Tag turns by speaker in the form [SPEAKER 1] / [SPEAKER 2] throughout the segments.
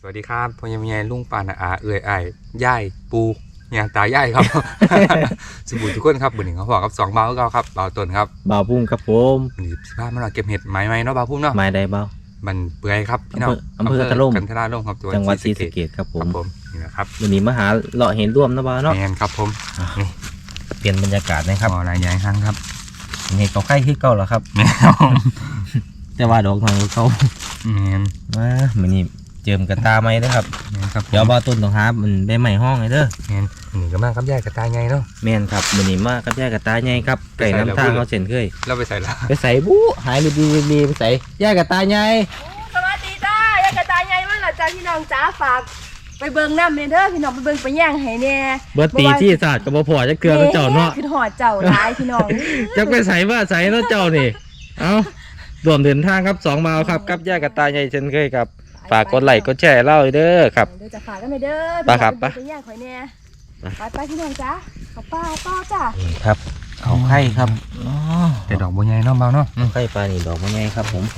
[SPEAKER 1] สวัสดีครับพ่อยังมีลุงป่านาอาเอื่อยไอ้ย่ายปูเนี่ยตายายครับ สบู่ทุกคนครับบุญหนึ่งเขาบอกครับ2 เบาก็ครับเบาต้นครับ
[SPEAKER 2] บ่าวพุ่มครับผม
[SPEAKER 1] วันนี้15มาเราเก็บเห็ดไม้เนาะเบาพุ่มเนาะ
[SPEAKER 2] ไม้ใดบ่าว
[SPEAKER 1] มันเปื่อยครับพี่น้อง
[SPEAKER 2] อำเภอกันทะล่ม
[SPEAKER 1] กันทะล่มครับ
[SPEAKER 2] จังหวัดศรีสะเกษครับผ
[SPEAKER 1] ครั
[SPEAKER 2] ม
[SPEAKER 1] บผมนี่นะครับ
[SPEAKER 2] วันนี้มาหาเลาะเห็นร่วมนะบ่าวเนาะ
[SPEAKER 1] แมนครับผม
[SPEAKER 2] เปลี่ยนบรรยากาศนะครับ
[SPEAKER 1] หลายอย่างครั้งครับ
[SPEAKER 2] เห็ดเขาไข่ขึ้นเก่าแล้วครับ
[SPEAKER 1] แมน
[SPEAKER 2] แต่ว่าดอกทางเขา
[SPEAKER 1] แมน
[SPEAKER 2] มามื้อนี้เจิมกระตาไม้นะครับ
[SPEAKER 1] แมนครับ
[SPEAKER 2] เดี๋ยวบ่าวต้นต้องหามันใบไม้ห้องไงเด้อ
[SPEAKER 1] แมนนี่ก็มากครับย่ายกระตายไงเนาะ
[SPEAKER 2] แม่นครับมื้อนี้มากับยายกระตาใหญ่ครับไก่น้ำทางเขาเส้นเคย
[SPEAKER 1] เราไปใส่ละ
[SPEAKER 2] ไปใส่บู๊หายไปดีไปใส่ยายกระตาใหญ่
[SPEAKER 3] สวัสดีจ้ายายกระตายใหญ่มากนะจ้าพี่น้องจ้าฝากไปเบิ่งน้ำเนเด้อพี่น้องไปเบิ่งไปย่างให้แน่
[SPEAKER 2] เบิดตีที่ศาสตร์ก็บ่พอจักเกลือแล้วเจ้าเนาะ
[SPEAKER 3] คือหอดเจ้าหลายพี่น้อง
[SPEAKER 2] จักไปใส่ว่าใส่เนาะเจ้านี่เอ้ารวมเดินทางครับ2 บ่าวครับกับยายกระตาใหญ่เช่นเคยครับฝากกดไลค์กดแชร์เล่าเด้อครับ
[SPEAKER 3] เดี๋ยวจะฝากกันไปเด้อ
[SPEAKER 2] ไปครับ
[SPEAKER 3] ไปย่างข่อยแน่ไปพี่น้องจ้าขอป้าต่อจ้า
[SPEAKER 2] นี่ครับเขาไข่ครับอ๋อ
[SPEAKER 1] แต่ดอกบัวใหญ่เนาะเบาเนาะ
[SPEAKER 2] ไข่ปลานี่ดอกมันใหญ่ครับผม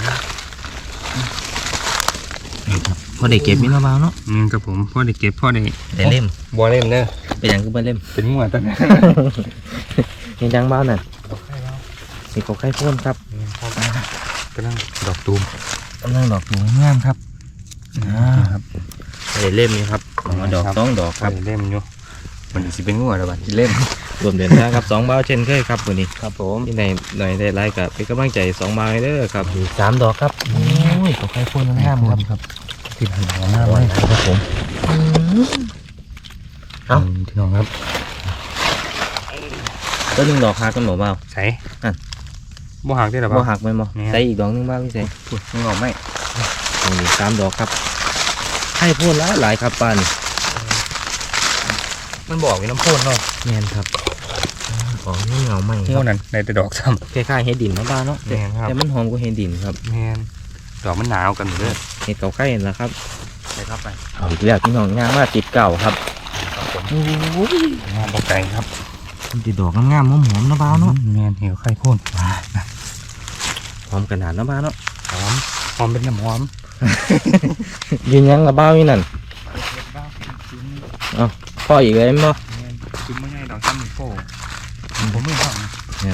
[SPEAKER 2] นี่ครับพอได้เก็บมีเนาะบ่าวเนาะ
[SPEAKER 1] ครับผมพ่อได้เก็บพ่อได้
[SPEAKER 2] ได้เล่ม
[SPEAKER 1] บัวเล่มเด้อ
[SPEAKER 2] เป็นหยังคือบ่เล่ม
[SPEAKER 1] เป็นมั่วต้น
[SPEAKER 2] นี่จังบ่าวน่ะ
[SPEAKER 1] ดอกไข่เบา
[SPEAKER 2] นี่เขาไข่พ่นครับ
[SPEAKER 1] กำลังดอกตูม
[SPEAKER 2] กำลังดอกอยู่งามครับ
[SPEAKER 1] ครับ
[SPEAKER 2] ได้เล่มนี่ครับเอามาดอก2 ดอกครับ
[SPEAKER 1] เล่มอยู่มันสิเป็นงัวแล้วบัดที่เล่ม
[SPEAKER 2] รวมเดินทางครับ2 บ่าวเช่นเคยครับวันนี้
[SPEAKER 1] ครับผม
[SPEAKER 2] ที่ไหนหน่อยได้ไลค์กับเป็นกำลังใจ2 บ่าวให้เด้อครับ3 ดอกครับโอ้ยเขาไข่พ่นงามครับ
[SPEAKER 1] ครับติดหัวหน้า
[SPEAKER 2] เอา
[SPEAKER 1] ไว้
[SPEAKER 2] ไว้ครับผม เอ้า
[SPEAKER 1] พี่น้องครับ
[SPEAKER 2] ต้นหนึ่งดอกหักกันหมดเปล่า
[SPEAKER 1] ใส่
[SPEAKER 2] อ่ะ
[SPEAKER 1] บ่หักได้หรอ
[SPEAKER 2] บ่
[SPEAKER 1] เปล่า
[SPEAKER 2] หักไหมบ่
[SPEAKER 1] เนี่ย
[SPEAKER 2] ใส่อีกดอกหนึงบ้างพี่ใส่
[SPEAKER 1] พูดงอกไหม
[SPEAKER 2] นี่3 ดอกครับให้พ่นหลายครับป้านี่
[SPEAKER 1] มันบอกมีน้ำพ่นเนาะ
[SPEAKER 2] แมนครับอ๋อนี่เหงาไหมค
[SPEAKER 1] งัว
[SPEAKER 2] รับ
[SPEAKER 1] นั่นในแต่ดอกซ้
[SPEAKER 2] คล้ายๆเห็ดดินเนาะบ้านเนาะ
[SPEAKER 1] แม่นครับ
[SPEAKER 2] แต่มันหอมกว่าเห็ดดินครับ
[SPEAKER 1] ำแมนดอกมันหนาวกันหมดเลย
[SPEAKER 2] เห็ดเก่าไข่นั่นแหละครับ
[SPEAKER 1] ไปครับไป
[SPEAKER 2] เอาอีกแล้วพี่น้องงามมากติดเก่าครับ
[SPEAKER 1] ครับผม
[SPEAKER 2] โอ้ย
[SPEAKER 1] งามบกไก่ครับ
[SPEAKER 2] มันติดดอกงามๆหอมๆเนาะบ้านเนาะ
[SPEAKER 1] แมนเหี่ยวไข่พ่น
[SPEAKER 2] หอมขนาดเนาะบ้านเนาะ
[SPEAKER 1] หอมหอมเป็นน้ำหอม
[SPEAKER 2] ยืนยังละบ้านี่นั่นพ่ออีกเลยมั้ง
[SPEAKER 1] จิ้มไม่ง่ายดอกซ้ำหนึ่งโป้ผมไม่ห้อง
[SPEAKER 2] เนี่ย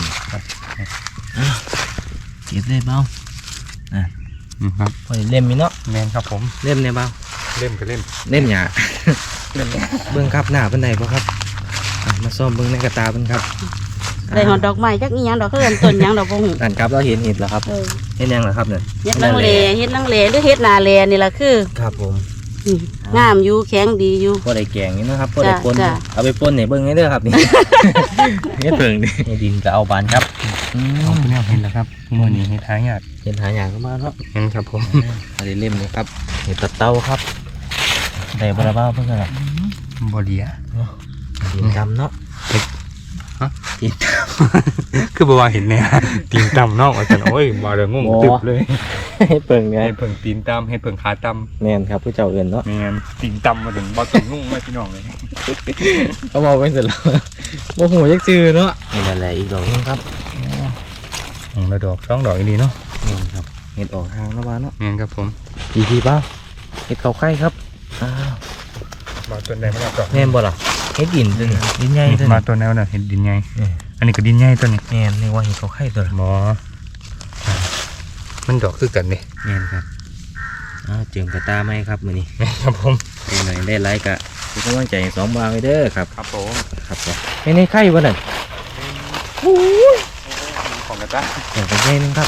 [SPEAKER 2] เก็บได้เบ้า
[SPEAKER 1] ครับ
[SPEAKER 2] พอได้เล่มมีเนาะ
[SPEAKER 1] แมนครับผม
[SPEAKER 2] เล่มเนี่ยเบ้า
[SPEAKER 1] เล่มก็เล่ม
[SPEAKER 2] เล่มหยา
[SPEAKER 1] เล่ม
[SPEAKER 2] เบิ้งครับหน้าเป็นไหนบ่ครับมาซ่อมเบิ้งในกระตาเป็นครับ
[SPEAKER 3] ได้หอดดอกไม้จักอีหยังดอกเพิ่นต้นหยังดอกบ่ฮู้
[SPEAKER 2] นั่นครับเราเห็นเห็ดแล้วครับเห็นยังเหรอครับเนี่ย
[SPEAKER 3] เฮ็ดนังเลเฮ็ดนังเลหรือเฮ็ดนาเลนี่ล่ะคือ
[SPEAKER 2] ครับผม
[SPEAKER 3] งามอยู่แข็งดีอยู่
[SPEAKER 2] พอได้แกงนี่นะครับพอได้ปน
[SPEAKER 3] จ้ะ
[SPEAKER 2] เอาไปปนเนี่ยเบิ้งให้เด้อครับนี่ เฮ็ดเพิ่งนี่ดินก็เอาบานครับอื
[SPEAKER 1] เอา
[SPEAKER 2] ม
[SPEAKER 1] คุณแม่เห็นแล้วครับมือนี้เห็ดหายาก
[SPEAKER 2] เห็นหาอย่างก็มาเนาะ
[SPEAKER 1] เห็นครับผม
[SPEAKER 2] อะไรเล่มนี่ครับเห็ดตะเต้าครับได้บราบ้าเพิ่งกัน
[SPEAKER 1] บอดีอะ
[SPEAKER 2] ดินดำเนาะ
[SPEAKER 1] ตีนคือบอกว่าเห็นเนี่ยตีนตำนอกอาจารย์โอ้ยมาเรื่องงงตึบเลย
[SPEAKER 2] ให้เปิงเนี่ย
[SPEAKER 1] เห็ดเพิ่งตีนตำเห็ดเพิ่งขาต
[SPEAKER 2] แม่นครับผู้เจ้าเอื่นเนาะ
[SPEAKER 1] ำแมนตีนตำมาถึงบอตรงนุ่งไม่พี่น้องเลย
[SPEAKER 2] เขาบอกไปเสร็จแล้วโมโหยักซื้อเนาะนี่แหละอีกดอกนึงครับ
[SPEAKER 1] แล้วดอก2 ดอกอีนี้เนาะ
[SPEAKER 2] นี่ครับเห็ดออกทางแล้วบ้านเนาะ
[SPEAKER 1] แมนครับผม
[SPEAKER 2] ดีๆเปล่าเห็ดเขาไข่ครับอ้าว
[SPEAKER 1] มาตัวไหนมาดอก
[SPEAKER 2] แม่นบ่ล่ะเห็ดดินตัวนี้ดินใหญ่ตัว
[SPEAKER 1] มา
[SPEAKER 2] นี้
[SPEAKER 1] ตัวแนวน่ะเห็ดดินใหญ่อันนี้ก็ดินใหญ่ตัวนี้
[SPEAKER 2] แม่นนี่ว่าเห็ดเขาไข่ตัวละ
[SPEAKER 1] หมอมันดอกคือกันนี่
[SPEAKER 2] แม่นครับอ้าวเจิมกระตาไหมครับมื้อนี้
[SPEAKER 1] ครับผม
[SPEAKER 2] เป็นหน่อยได้ไลค์กะเป็นกำลังใจให้2 บาทไว้เด้อครับ
[SPEAKER 1] ครับผม
[SPEAKER 2] ครับผมไม่ในไข่บ่นั่น
[SPEAKER 1] ของกระต้า
[SPEAKER 2] อย่างเป็นใหญ่นึงครับ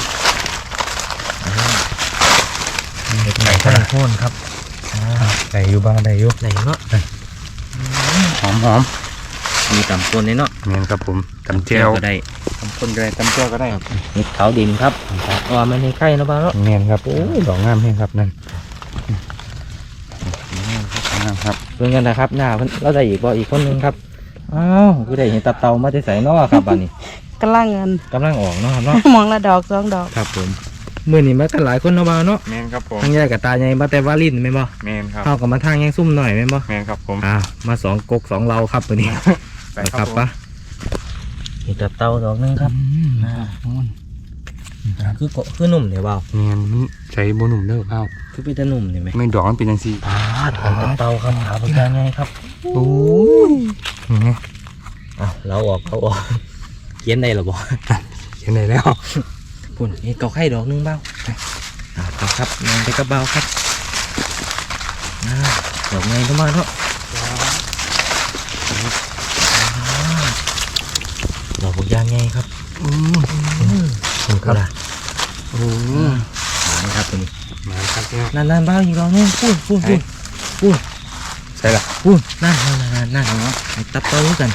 [SPEAKER 1] เห็ดไก่
[SPEAKER 2] ไข่
[SPEAKER 1] ไข่
[SPEAKER 2] โพ่นครับ
[SPEAKER 1] ได้อยู่บ้างได้อยู่
[SPEAKER 2] ไหนเนาะ
[SPEAKER 1] หอมหอม
[SPEAKER 2] มีตำปนในเนาะ
[SPEAKER 1] เนียนครับผมตำเจียว
[SPEAKER 2] ก็ได้
[SPEAKER 1] ตำคนก็ได้ตำเจียวก็ได้
[SPEAKER 2] เห็ดขาวดินครับว่ามันในไข่เนาะบ้างเนาะ
[SPEAKER 1] เนียนครับโอ้ยดอกงามแห้งครับนั่นงามครับ
[SPEAKER 2] เพื่อนกันนะครับหน้าเพิ่นเราได้อีกบ่อีกคนนึงครับอ้าวกูได้เห็นตับเตามาได้ใส่เนาะครับบ้านนี้
[SPEAKER 3] กำลังเงิน
[SPEAKER 2] กำลังออกเนาะครับเนาะ
[SPEAKER 3] มองละดอก2 ดอก
[SPEAKER 2] ครับผมมื้อนี้มากันหลายคนเนาะบ้างเนาะ
[SPEAKER 1] เนียนครับผม
[SPEAKER 2] ทั้งแยกกับตาใหญ่มาแต่ว่าลิ้นแม่นบ่
[SPEAKER 1] เนียนครับ
[SPEAKER 2] เฮากับมาทางแยงซุ่มหน่อยแม่นบ่
[SPEAKER 1] เนียนครับผม
[SPEAKER 2] มา2 กก 2 เราครับตัวนี้
[SPEAKER 1] ไป
[SPEAKER 2] ค
[SPEAKER 1] ครั
[SPEAKER 2] รั
[SPEAKER 1] บบ ผม
[SPEAKER 2] ปะเห็ดตับเตาดอกนึงครับคือนุ่มเนี่ยเปล่า
[SPEAKER 1] แมนมันใช้โบหนุ่มเด้อเปล่า
[SPEAKER 2] คือเป็นตะนุ่มเนี่ยไหม
[SPEAKER 1] ไม่ดอกมันเป็นจังซี่
[SPEAKER 2] ของเตาครับขาปลาไงครับ
[SPEAKER 1] โอ้ยนี่
[SPEAKER 2] อ้าวเราออกเขียนได้หรอบ่
[SPEAKER 1] เห็นไหนแล้ว
[SPEAKER 2] ปุ่นนี่เกาไข่ดอกนึงเบ้าครับนอนไปกระเบ้าครับดอกไงต้องมาเนาะดอกพวกยางไงครับ
[SPEAKER 1] ครับโอ้
[SPEAKER 2] มาครับตัวนี้
[SPEAKER 1] มาครับเนี่ย
[SPEAKER 2] นั่นเบ้าอีกดอกนึงพูด
[SPEAKER 1] ใช่ละ
[SPEAKER 2] นั่นเนาะไอ้ตับโตกัน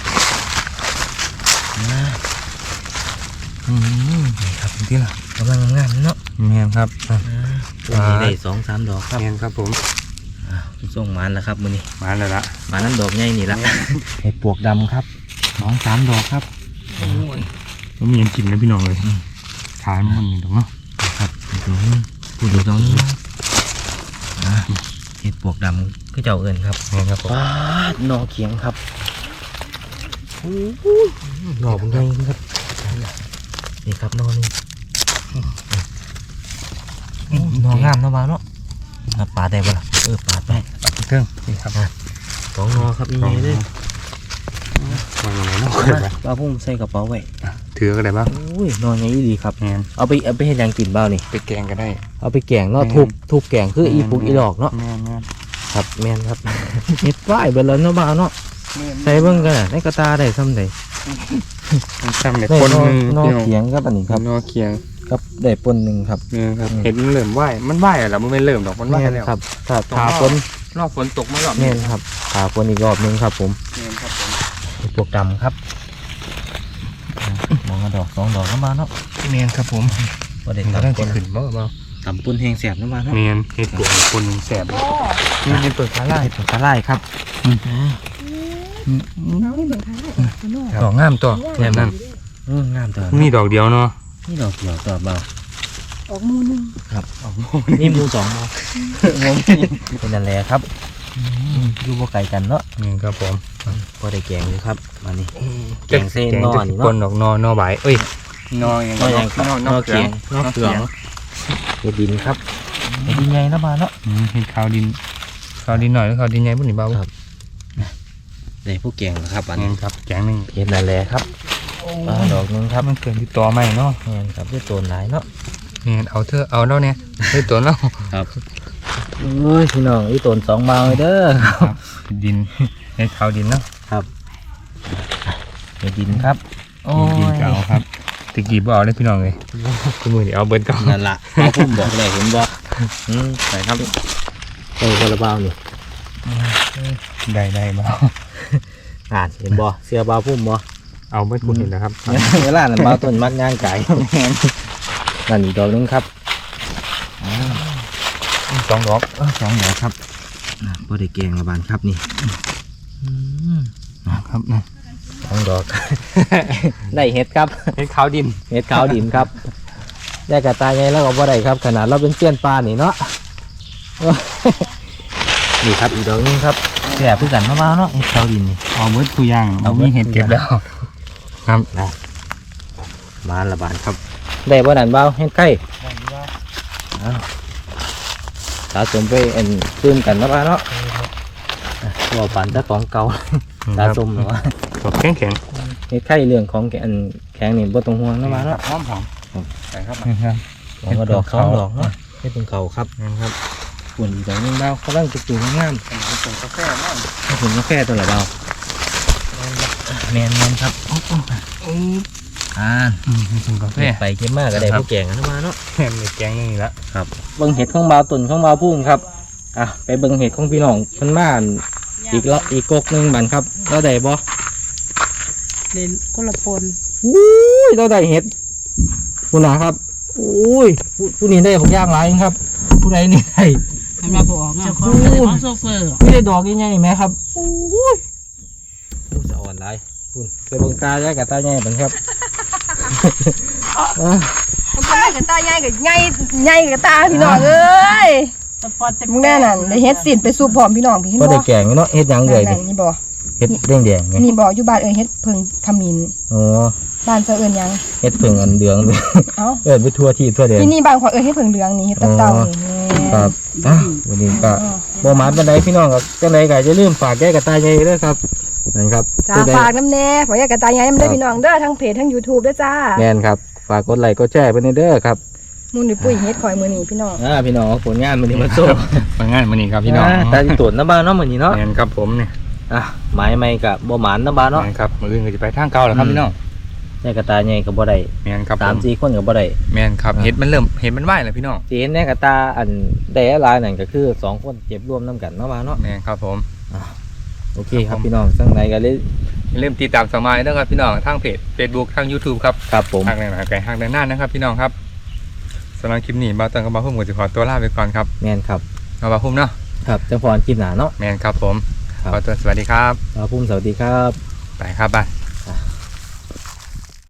[SPEAKER 1] นี่ครับที่ละ
[SPEAKER 2] กำลังงามเนาะ
[SPEAKER 1] แมนครับ
[SPEAKER 2] ตัวนี้ได้2-3 ดอกครับ
[SPEAKER 1] แมนครับผม
[SPEAKER 2] ส่งมันแล้วครับมือนี้
[SPEAKER 1] มาแล้วละ
[SPEAKER 2] มานั่นดอกใหญ่นี่ละไอ้ปวกดำครับ2-3 ดอกครับ
[SPEAKER 1] มันมีอันกินนะพี่น้องเลยขายมันนี่ดอกเนาะ
[SPEAKER 2] ครับพูดดูตรงนี้ไอ้ปวกดำคือเจ้าเอิญครับ
[SPEAKER 1] แมนครับผม
[SPEAKER 2] ว้านอเขียงครับดอกใหญ่ครับนี่ครับนอนี่นองามเนาะบ้าเนาะปาดได้ปะล่ะปาดไป
[SPEAKER 1] เครื่องนี่ครับ
[SPEAKER 2] 2 นอครับใหญ่เลย
[SPEAKER 1] มาอย่างไรเนาะ
[SPEAKER 2] ปลาพุ่มใส่กระเป๋าไว้
[SPEAKER 1] ถือก็ได้บ้าง
[SPEAKER 2] อุ้ยนอนใหญ่ดีครับ
[SPEAKER 1] แมน
[SPEAKER 2] เอาไปเห็นยังกินเบ้านี่
[SPEAKER 1] ไปแกงก็ได้
[SPEAKER 2] เอาไปแกงเนาะทุบแกงคืออีปุกอีหลอกเนาะ
[SPEAKER 1] แมน
[SPEAKER 2] ครับแม่นครับ เฮ็ดป้ายเบิดแล้วเนาะบ้าวเนาะใส่เบิ่งกันน่ะในกระตาได้ซ้ำใด
[SPEAKER 1] ทำเนี่ย
[SPEAKER 2] ได้
[SPEAKER 1] คน
[SPEAKER 2] นอเขียงครับอันนี้ครับ
[SPEAKER 1] นอเคียง
[SPEAKER 2] ครับได้ปนหนึงครับ
[SPEAKER 1] เนี่ยครับเห็นมันเริ่มไหวมันไหวอะไรมันไม่เริ่มดอกมันไหว
[SPEAKER 2] แม่น
[SPEAKER 1] แล้ว
[SPEAKER 2] ครับถ้า
[SPEAKER 1] ต้อง
[SPEAKER 2] ขาฝน
[SPEAKER 1] รอบฝนตกมาหรอบ
[SPEAKER 2] แม่นครับขาฝนอีกรอบหนึงครับผม
[SPEAKER 1] แมนครับผม
[SPEAKER 2] ไอ้พวกดำครับมองกระดอก2 ดอกเนาะบ้าวเนาะ
[SPEAKER 1] แมนครับผม
[SPEAKER 2] บ่ได้
[SPEAKER 1] มันก็ต้อง
[SPEAKER 2] ตำปน
[SPEAKER 1] ขึ้นบ่เบา
[SPEAKER 2] ตำปนแห้งแสบเนาะบ้าวเนาะ
[SPEAKER 1] แมนเห็ดปวกคนแสบ
[SPEAKER 3] โอ้
[SPEAKER 1] นี่เห็ดเปิดขาไล่
[SPEAKER 2] ไอ้ผงกระไล่ครับ
[SPEAKER 3] เอาให้เบิ่งทางได้ข้างนอก
[SPEAKER 1] ดอกงามตัวแน่นั่น
[SPEAKER 2] งามตัว
[SPEAKER 1] นี่ดอกเดียวเนาะ
[SPEAKER 2] นี่ดอกเดียวตัวเบา
[SPEAKER 3] ออกมือหนึง
[SPEAKER 2] ครับนี่มู2 บ่เป็นนั่นแหละครับอยู่บ่ไกลกันเนาะ
[SPEAKER 1] นี่ครับผม
[SPEAKER 2] พอได้แกงอยู่ครับมานี่แกงเส้น
[SPEAKER 1] แกง
[SPEAKER 2] นอ
[SPEAKER 1] จะ
[SPEAKER 2] นี่
[SPEAKER 1] คน
[SPEAKER 2] เนาะ
[SPEAKER 1] ดอกนอใบเอ้ยนออย่าง
[SPEAKER 2] นออย่างนอเขียงนอเขืองเห็ดดินครับเห็ดดินใหญ่นะบ้านเนาะ
[SPEAKER 1] เห็ดขาวดินหน่อยแล้วขาวดินใหญ่บุ่นนี่เบา
[SPEAKER 2] ครับ ได้ผู้แกงครับอัน
[SPEAKER 1] นี่
[SPEAKER 2] นี้
[SPEAKER 1] ครับแกงหนึ่ง
[SPEAKER 2] เห็ดนั่นแหละครับดอกนึงครับ
[SPEAKER 1] มันเกิดที่ตัวใหม่เนาะ
[SPEAKER 2] เห็นครับด้วยตัวหลายเนาะ
[SPEAKER 1] นี่เอาเถอะเอาแล้วเนี่ยให้ตัวแล้ว
[SPEAKER 2] ครับโอ้ยพี่น้องอีต้น2 เบาเลยเด้อ
[SPEAKER 1] ดินให้ขาวดินเนาะ
[SPEAKER 2] เห็ดดินครับโอ้
[SPEAKER 1] ดิน
[SPEAKER 2] ย
[SPEAKER 1] ก็เอาครับตะกี้บ่เอาเลยพี่น้องเลยคุณมือเดี๋ยวเอาเบิร์ดก่อน
[SPEAKER 2] นั่นล่ะเอาพุ่มบอกเลยเห็นบ่ใส่ครับใส่กระเบานี่
[SPEAKER 1] ได้บ่
[SPEAKER 2] เห็นบ่เสื้อเบาพุ่มบ่
[SPEAKER 1] เอาเบิร์ดคุณเห็นนะครับ
[SPEAKER 2] เวลานั้นเบาต้นมักงานไก่นั่นอีกดอกนึงครับ
[SPEAKER 1] 2 ดอก
[SPEAKER 2] 2 ดอกครับพอได้แกงละบานครับนี่
[SPEAKER 1] ครับนะ
[SPEAKER 2] 2 ดอก ได้เห็ดครับ
[SPEAKER 1] เห็ดขาวดิน
[SPEAKER 2] เห็ดขาวดินครับได้กระตายไงแล้วก็บ่ได้ครับขนาดเราเป็นเสี้ยนปลานี่เนาะ นี่ครับอีกดอกนึงครับแสบเพื่อกันมาๆเนาะเห็ดขาวดินนี่
[SPEAKER 1] เอาเบิร์ดคุยย่าง
[SPEAKER 2] เอาเบิด
[SPEAKER 1] มีเห็ดเก็บแล้วครับ
[SPEAKER 2] มาละบานครับได้บ่นั่นเบาเห็ดไก่สะสมไปตื้มกันมาๆเนาะว่าฝันแต่ของเก่าสะสมเนาะ
[SPEAKER 1] ดอกแข็ง
[SPEAKER 2] เฮ็ดไข่เรื่องของแข็งนี่บ่ต้องห่วงนะมาเนาะ
[SPEAKER 1] หอมใส่ครับ
[SPEAKER 2] ของกระดอก2 ดอกเนาะให้เป็นเขาครับ
[SPEAKER 1] ครับ
[SPEAKER 2] ปุ่นอีกดอกนึงเบาเขาตั้งจุกๆงาม
[SPEAKER 1] ส่งกาแฟมาก
[SPEAKER 2] ๆให้เป็นกาแฟตัวละเบาแมนครับ
[SPEAKER 1] ส่งกาแฟ
[SPEAKER 2] ไปเก็บมากก็ได้พวกแกงกันมาเนาะ
[SPEAKER 1] แม่แกงนี่ละ
[SPEAKER 2] เบิ่งเห็ดของเบาตุ่นของเบาพุ่งครับไปเบิ่งเห็ดของพี่น้องเพิ่นมาอีกกกนึงบันครับเราได้บ่
[SPEAKER 3] เล่นคนละปน
[SPEAKER 2] อุ้ยเราได้เห็ดผู้หนาครับอุ้ยผู้นี้ได้ผมย่างหลายครับ ผู้ใดนี่ได้
[SPEAKER 4] ทำมาบอกเจ้าของก็ได้ของโซเฟอร์
[SPEAKER 2] ไม่ได้ดอกยังไงไหมครับอุ้ยจะอ่อนไรคุณไปเบิ่งตาแยกกับตาใหญ่เป็นครับ
[SPEAKER 3] มันก็ได้กับตาใหญ่กับใหญ่กับตาพี่น้องเอ้ย
[SPEAKER 4] สปอร์ตเต็ม
[SPEAKER 3] มึงแน่นั่นได้เฮ็ดสินไปสู่พร้อมพี่น้องพี่เห็น
[SPEAKER 2] ก็
[SPEAKER 3] บ่
[SPEAKER 2] ได้แกงเนาะเฮ็ดหยังเลย
[SPEAKER 3] นั่
[SPEAKER 2] นี่
[SPEAKER 3] นนี่บ่
[SPEAKER 2] เฮ็ดแดงๆไง
[SPEAKER 3] นี่บอกอยู่บ้านเฮ็ดเพิงขมิ้น
[SPEAKER 2] โอ้
[SPEAKER 3] บ้านเจ้าเอิ้นหยัง
[SPEAKER 2] เฮ็ดเพิ่งอันเหลือง
[SPEAKER 3] เอ้า
[SPEAKER 2] ไปทั่วที่ทั่วแดน
[SPEAKER 3] ที่นี่บ้านขอยเฮ็ดเพิงเหลืองนี่เฮ็ดตับเต่านี่
[SPEAKER 2] ครับวันนี้ก็บ่หมานปานใดพี่น้องก็จังไดก็อย่าลืมฝากแก้กระต่ายใหญ่เด้อครับนั่นครับ
[SPEAKER 3] จ้าฝากน้ำแน่ฝากยายกระต่ายใหญ่น้ำเด้อพี่น้องเด้อทั้งเพจทั้ง YouTube เด้อจ้า
[SPEAKER 2] แม่นครับฝากกดไลค์กดแชร์เพิ่นเด้อครับ
[SPEAKER 3] มูลนิปุ้ยเฮ็ดข่อยมื้อนี้พี่น้อง
[SPEAKER 2] พี่น้องผลงานมื้อนี้มาโซ่
[SPEAKER 1] มางานมื้อนี้ครับพี่น้อง
[SPEAKER 2] ตาสิตรวจน้ำบ้านเนาะมื้อนี้เนาะ
[SPEAKER 1] แม่นครับผมเนี่ย
[SPEAKER 2] หมายใหม่ก็บ่หมานน้ำบ้านเนาะ
[SPEAKER 1] แม่นครับมื้ออื่นก็จะไปทางเก่าแล้วครับพี่น้อง
[SPEAKER 2] แก้กระต่ายใหญ่ก็บ่ได้
[SPEAKER 1] แม่นครับผม
[SPEAKER 2] 3-4คนก็บ่ได้
[SPEAKER 1] แม่นครับเห็ดมันไหวแล้วพี่น้อง
[SPEAKER 2] สิเห็นแน่กระตาอันได้หลายนั่นก็คือ2คนเก็บรวมนํกันเนาะบ้านเนาะ
[SPEAKER 1] แม่นครับผม
[SPEAKER 2] โอเคครับพี่น้องจังไดก็เลย
[SPEAKER 1] อย่าลืมติดตามสมัยด้วยครับพี่น้องทางเพจ Facebook ทาง YouTube ครับ
[SPEAKER 2] ครับผม
[SPEAKER 1] ทางไหนไก่ทางด้านหน้านะครับพี่น้องครับสำหรับคลิปนี้บ่าวเติงกับบ่าวพุ่มก็จะขอตัวลาไปก่อนครับ
[SPEAKER 2] แม่นครับ
[SPEAKER 1] บ่าวพุ่มเนาะ
[SPEAKER 2] ครับจังพรคลิปหน้าเนาะ
[SPEAKER 1] แม่นครับผม
[SPEAKER 2] ครับ
[SPEAKER 1] ขอตัวสวัสดีครับ
[SPEAKER 2] ครับผมสวัสดีครับ
[SPEAKER 1] ไปครับไป